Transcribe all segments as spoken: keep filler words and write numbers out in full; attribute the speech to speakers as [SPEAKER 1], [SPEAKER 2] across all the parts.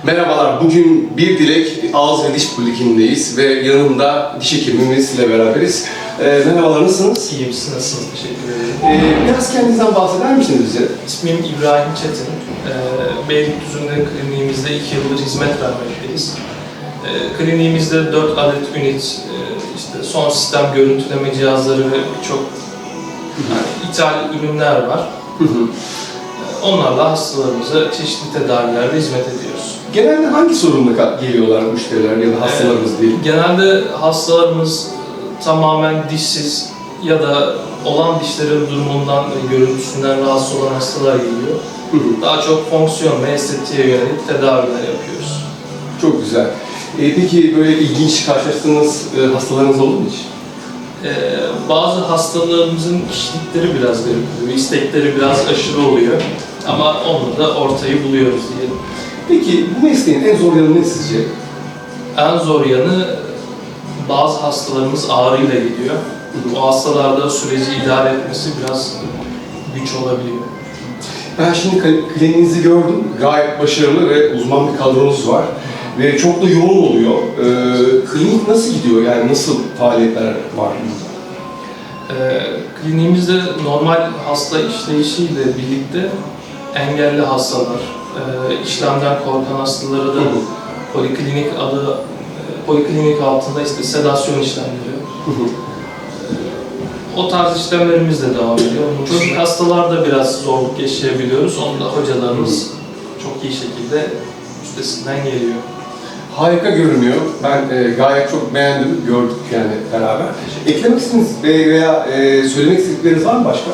[SPEAKER 1] Merhabalar, bugün Bir Dilek Ağız ve Diş Polikliniğindeyiz ve yanımda diş hekimimizle beraberiz. Ee, merhabalar, nasılsınız?
[SPEAKER 2] İyiyim, siz nasılsınız? Teşekkür ederim.
[SPEAKER 1] Ee, biraz kendinizden bahseder misiniz bize?
[SPEAKER 2] İsmim İbrahim Çetin. Ee, Beylikdüzü'nde kliniğimizde iki yıldır hizmet vermekteyiz. Ee, kliniğimizde dört adet ünit, e, işte son sistem görüntüleme cihazları ve birçok yani ithal ürünler var.
[SPEAKER 1] Hı hı.
[SPEAKER 2] Ee, onlarla hastalarımıza çeşitli tedavilerde hizmet ediyoruz.
[SPEAKER 1] Genelde hangi sorunla geliyorlar müşteriler ya da hastalarımız
[SPEAKER 2] Ee,
[SPEAKER 1] diyelim?
[SPEAKER 2] Genelde hastalarımız tamamen dişsiz ya da olan dişlerin durumundan ve görüntüsünden rahatsız olan hastalar geliyor.
[SPEAKER 1] Hı hı.
[SPEAKER 2] Daha çok fonksiyon ve estetiğe yönelik tedaviler yapıyoruz.
[SPEAKER 1] Çok güzel. Ee, peki böyle ilginç karşılaştığınız e, hastalarınız oldu mu hiç?
[SPEAKER 2] Ee, bazı hastalarımızın kişilikleri biraz garip oluyor, istekleri biraz aşırı oluyor. Ama onunla da ortayı buluyoruz diyelim.
[SPEAKER 1] Peki bu mesleğin en zor yanı ne sizce?
[SPEAKER 2] En zor yanı bazı hastalarımız ağrıyla geliyor. O hastalarda süreci idare etmesi biraz güç olabiliyor.
[SPEAKER 1] Ben şimdi kliniğinizi gördüm. Gayet başarılı ve uzman bir kadronuz var. Ve çok da yoğun oluyor. Ee, klinik nasıl gidiyor? Yani nasıl faaliyetler var?
[SPEAKER 2] Ee, kliniğimizde normal hasta işleyişiyle birlikte engelli hastalar, e, işlemden korkan hastalara da poliklinik adı, e, poliklinik altında işte sedasyon işlemleri.
[SPEAKER 1] Hı hı.
[SPEAKER 2] O tarz işlemlerimiz de devam ediyor. Çocuk hastalarda biraz zorluk yaşayabiliyoruz. Onu da hocalarımız çok iyi şekilde üstesinden geliyor.
[SPEAKER 1] Harika görünüyor. Ben e, gayet çok beğendim. Gördük yani beraber. Eklemek istediğiniz veya e, söylemek istedikleriniz var mı başka?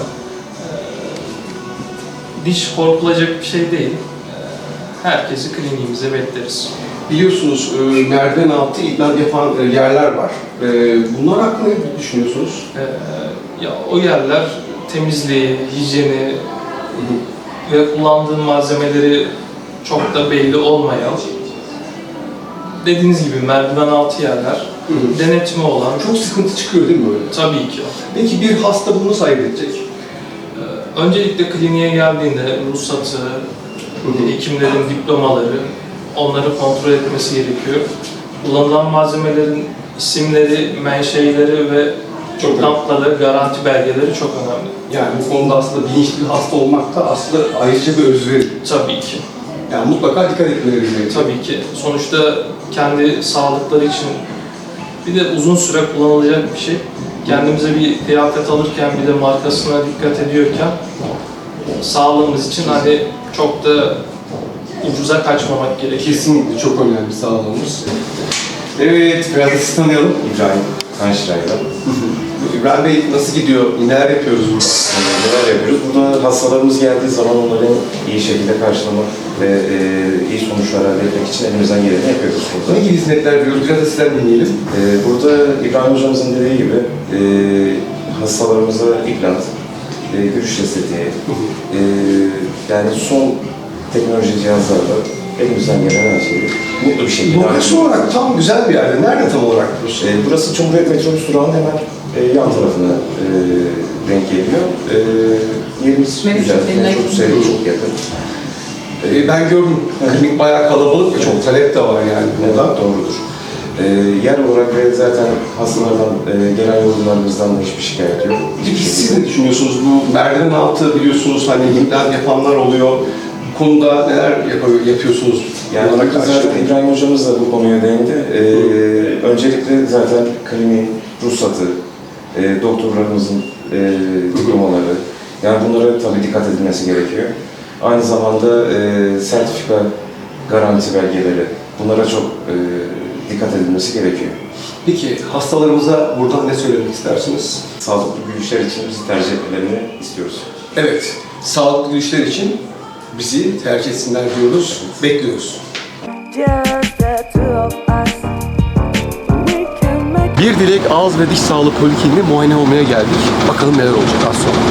[SPEAKER 2] Diş korkulacak bir şey değil. Herkesi kliniğimize bekleriz.
[SPEAKER 1] Biliyorsunuz e, merdiven altı implant yapan e, yerler var. E, bunlar hakkında ne düşünüyorsunuz?
[SPEAKER 2] Ee, ya o yerler temizliği, hijyeni ve kullandığı malzemeleri çok da belli olmayan, dediğiniz gibi merdiven altı yerler,
[SPEAKER 1] Hı hı.
[SPEAKER 2] denetimi olan.
[SPEAKER 1] Çok sıkıntı çıkıyor değil mi böyle?
[SPEAKER 2] Tabii ki.
[SPEAKER 1] Peki bir hasta bunu nasıl ayırt edecek?
[SPEAKER 2] Ee, öncelikle kliniğe geldiğinde ruhsatı, hekimlerin diplomaları, onları kontrol etmesi gerekiyor. Kullanılan malzemelerin isimleri, menşeileri ve
[SPEAKER 1] Çok
[SPEAKER 2] implantaları, garanti belgeleri çok önemli.
[SPEAKER 1] Yani bu konuda aslında bilinçli bir hasta olmak da aslında ayrıca bir özveri.
[SPEAKER 2] Tabii ki.
[SPEAKER 1] Yani mutlaka dikkat etmeleri gerekiyor.
[SPEAKER 2] Tabii ki. Sonuçta kendi sağlıkları için bir de uzun süre kullanılacak bir şey. Kendimize bir kıyafet alırken bir de markasına dikkat ediyorken sağlığımız için hani çok da ucuza kaçmamak gerekiyor.
[SPEAKER 1] Kesinlikle çok önemli sağlığımız. Evet, biraz da sizi tanıyalım.
[SPEAKER 3] İbrahim Kanşiray'la.
[SPEAKER 1] İbrahim Bey nasıl gidiyor? Neler yapıyoruz burada?
[SPEAKER 3] Neler yapıyoruz? Burada hastalarımız geldiği zaman onları iyi şekilde karşılamak ve e, iyi sonuçlar elde etmek için elimizden geleni yapıyoruz burada.
[SPEAKER 1] Ne gibi hizmetler veriyoruz? Biraz da sizden dinleyelim.
[SPEAKER 3] E, burada İbrahim hocamızın dediği gibi e, hastalarımıza implant, e, görüş estetiği, e, yani son teknoloji cihazlarla elimizden gelen her şeyi mutlu bir şekilde
[SPEAKER 1] Lokasyon olarak tam güzel bir yerde. Nerede tam olarak burası?
[SPEAKER 3] E, burası Cumhuriyet Metrobüs durağının hemen e, yan tarafına e, denk geliyor. E, yerimiz
[SPEAKER 4] Benim
[SPEAKER 3] güzel,
[SPEAKER 4] çok eline
[SPEAKER 3] çok sevdim, çok yakın.
[SPEAKER 1] Ee, ben gördüm. Klinik bayağı kalabalık ve çok talep de var yani burada.
[SPEAKER 3] Evet, doğrudur. E, yer olarak ve zaten hastalardan, e, gelen yorumlarımızdan da hiçbir şikayet yok.
[SPEAKER 1] Peki siz ne düşünüyorsunuz? Bu merdiven altı biliyorsunuz hani implant yapanlar oluyor. Bu konuda neler yap- yapıyorsunuz?
[SPEAKER 3] Yani
[SPEAKER 1] Bunlara karşı?
[SPEAKER 3] zaten İbrahim hocamız da bu konuya değindi. E, öncelikle zaten kliniğin ruhsatı, e, doktorlarımızın e, diplomaları, yani bunlara tabii dikkat edilmesi gerekiyor. Aynı zamanda e, sertifika, garanti belgeleri, bunlara çok e, dikkat edilmesi gerekiyor.
[SPEAKER 1] Peki hastalarımıza buradan ne söylemek istersiniz?
[SPEAKER 3] Sağlıklı gülüşler için bizi tercih etmelerini istiyoruz.
[SPEAKER 1] Evet, sağlıklı güçler için bizi tercih etsinler diyoruz, bekliyoruz. Bir Dilek Ağız ve Diş Sağlığı Polikliniğine muayene olmaya geldik. Bakalım neler olacak az sonra.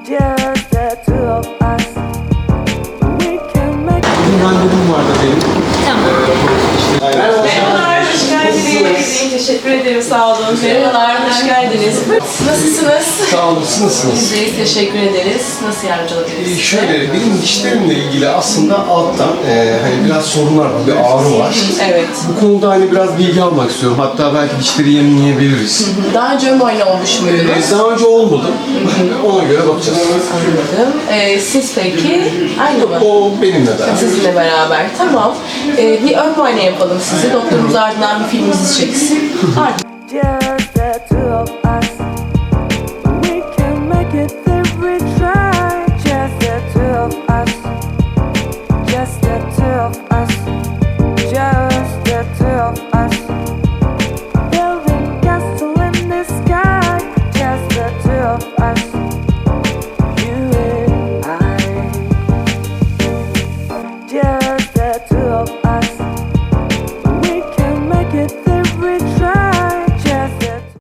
[SPEAKER 1] Bugün randevum vardı benim.
[SPEAKER 4] Tamam.
[SPEAKER 1] Aynen.
[SPEAKER 4] Merhabalar, hoş geldiniz. İyiyim, teşekkür ederim, sağ olun. Merhabalar, hoş geldiniz. Nasılsınız?
[SPEAKER 1] Sağ olun, siz nasılsınız?
[SPEAKER 4] Biz deyiz, teşekkür ederiz. Nasıl yardımcı olabiliriz
[SPEAKER 1] Ee,
[SPEAKER 4] size?
[SPEAKER 1] Şöyle, benim dişlerimle ilgili aslında alttan e, hani biraz sorunlar var, bir ağrı var.
[SPEAKER 4] Evet.
[SPEAKER 1] Bu konuda hani biraz bilgi almak istiyorum. Hatta belki dişleri yenileyebiliriz.
[SPEAKER 4] Daha önce ön muayene olmuş muydunuz?
[SPEAKER 1] Ee, daha önce olmadım. Ona göre bakacağız.
[SPEAKER 4] Anladım. Ee, siz peki aynı mı?
[SPEAKER 1] O benimle beraber.
[SPEAKER 4] Sizinle beraber. Tamam. Ee, bir ön muayene yapalım size. Doktorumuz ardından bir filmimizi çeksin. Ardından
[SPEAKER 5] Just the two of us. We can make it if we try. Just the two of us. Just the two of us. Just the two of us. Building castle in the sky. Just the two of us.